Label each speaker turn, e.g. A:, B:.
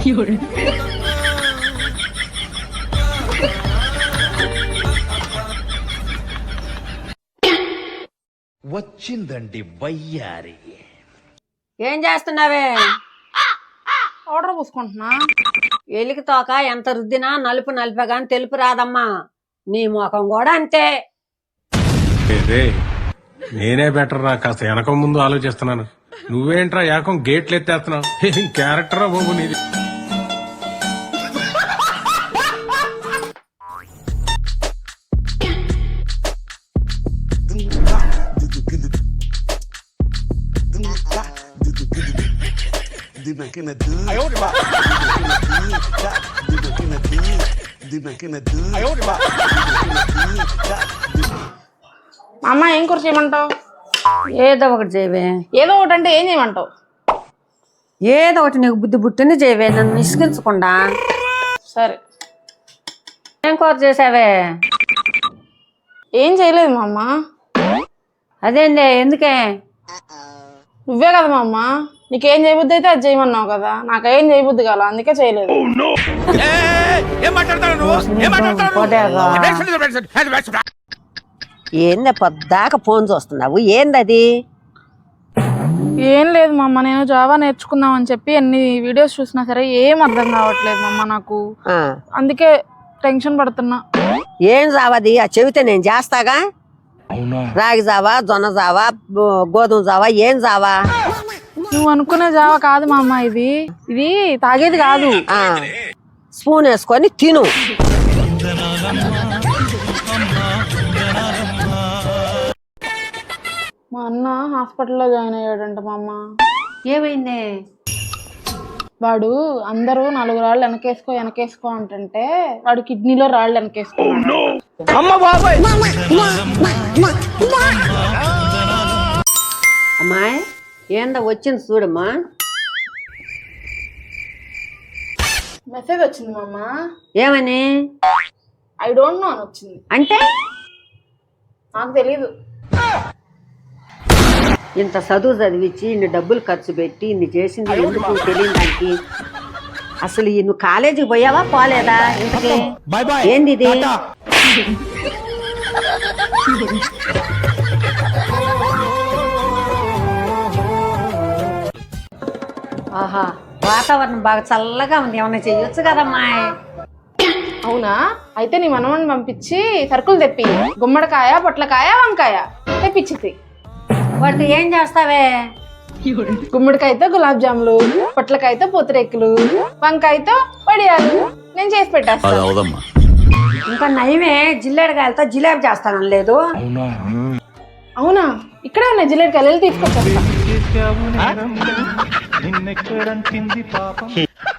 A: వచ్చిందండి వయ్యారి.
B: ఏం చేస్తున్నావే?
C: ఆర్డర్ పూసుకుంటున్నా.
B: ఎలికి తోక ఎంత రుద్దినా నలుపు నలిపే గాని తెలుపు రాదమ్మా. నీ ముఖం కూడా అంతే.
D: నేనే బెటర్ రా, కాస్త వెనక ముందు ఆలోచిస్తున్నాను. నువ్వేంట్రా ఏకం గేట్లు ఎత్తేస్తున్నావు? ఏం క్యారెక్టరా బాబు నీది.
C: అమ్మ ఏం కూర చేయమంటావు?
B: ఏదో ఒకటి చేయవే.
C: ఏదో ఒకటి అంటే ఏం చేయమంటావు?
B: ఏదో ఒకటి నీకు బుద్ధి బుట్టిని చేయవే, నన్ను విసిగించకుండా.
C: సరే.
B: ఏం కూర చేసావే?
C: ఏం చేయలేదు మా అమ్మ.
B: అదేందే, ఎందుకే?
C: నువ్వే కదా మా అమ్మ, నీకేం చేయబుద్ధి అయితే అది చేయమన్నావు కదా, నాకేం చేయబుద్ధి కాల, అందుకే చేయలేదు.
B: ఏందే పొద్దాక ఫోన్ చూస్తున్నావు? ఏందది?
C: ఏం లేదు మా అమ్మ, నేను జావా నేర్చుకుందాం అని చెప్పి ఎన్ని వీడియోస్ చూసినా సరే ఏం అర్థం కావట్లేదు మా అమ్మ నాకు. అందుకే టెన్షన్ పడుతున్నా.
B: ఏం జావాది? ఆ చెబితే నేను చేస్తాగా. రాగి జావా, జొన్న జావా, గోధుమ జావా, ఏం జావా?
C: నువ్వు అనుకునే జావా కాదు మా అమ్మ, ఇది తాగేది కాదు.
B: స్పూన్ వేసుకొని తిను.
C: మా అన్న హాస్పిటల్లో జాయిన్ అయ్యాడంట మా అమ్మ.
B: ఏమైంది?
C: వాడు అందరూ 4 రాళ్ళు వెనకేసుకో అంటుంటే వాడు కిడ్నీలో రాళ్ళు వెనకేసుకున్నాడు.
B: అమ్మాయి ఏందా వచ్చింది చూడమ్మా.
C: మెసేజ్ వచ్చింది మా అమ్మ.
B: ఏమని?
C: ఐ డోంట్ నో అని వచ్చింది.
B: అంటే
C: నాకు తెలీదు.
B: ఇంత చదువు చదివించి ఇన్ని డబ్బులు ఖర్చు పెట్టి ఇన్ని చేసింది ఎందుకు తెలియదు దానికి. అసలు నువ్వు కాలేజీకి పోయావా పోలేదా? ఇంతకీ ఏంది ఇది? ఆహా, వాతావరణం బాగా చల్లగా ఉంది, ఏమన్నా చెయ్యొచ్చు కదమ్మా.
C: అవునా? అయితే నీ మనవని పంపించి సరుకులు తెప్పి, గుమ్మడికాయ, పొట్లకాయ, వంకాయ తెప్పించింది.
B: వాటితో ఏం చేస్తావే?
C: గుమ్మడికాయతో గులాబ్ జాములు, పొట్లకాయతో పూతరేకులు, వంకాయతో వడియాలు నేను చేసి పెట్టేస్తాను.
B: ఇంకా నయమే, జిల్లేడుకాయలతో జిలేబీ చేస్తానని లేదు.
C: అవునా? ఇక్కడే ఉన్నాయి జిల్లేడుకాయలు, తీసుకొచ్చేస్తా.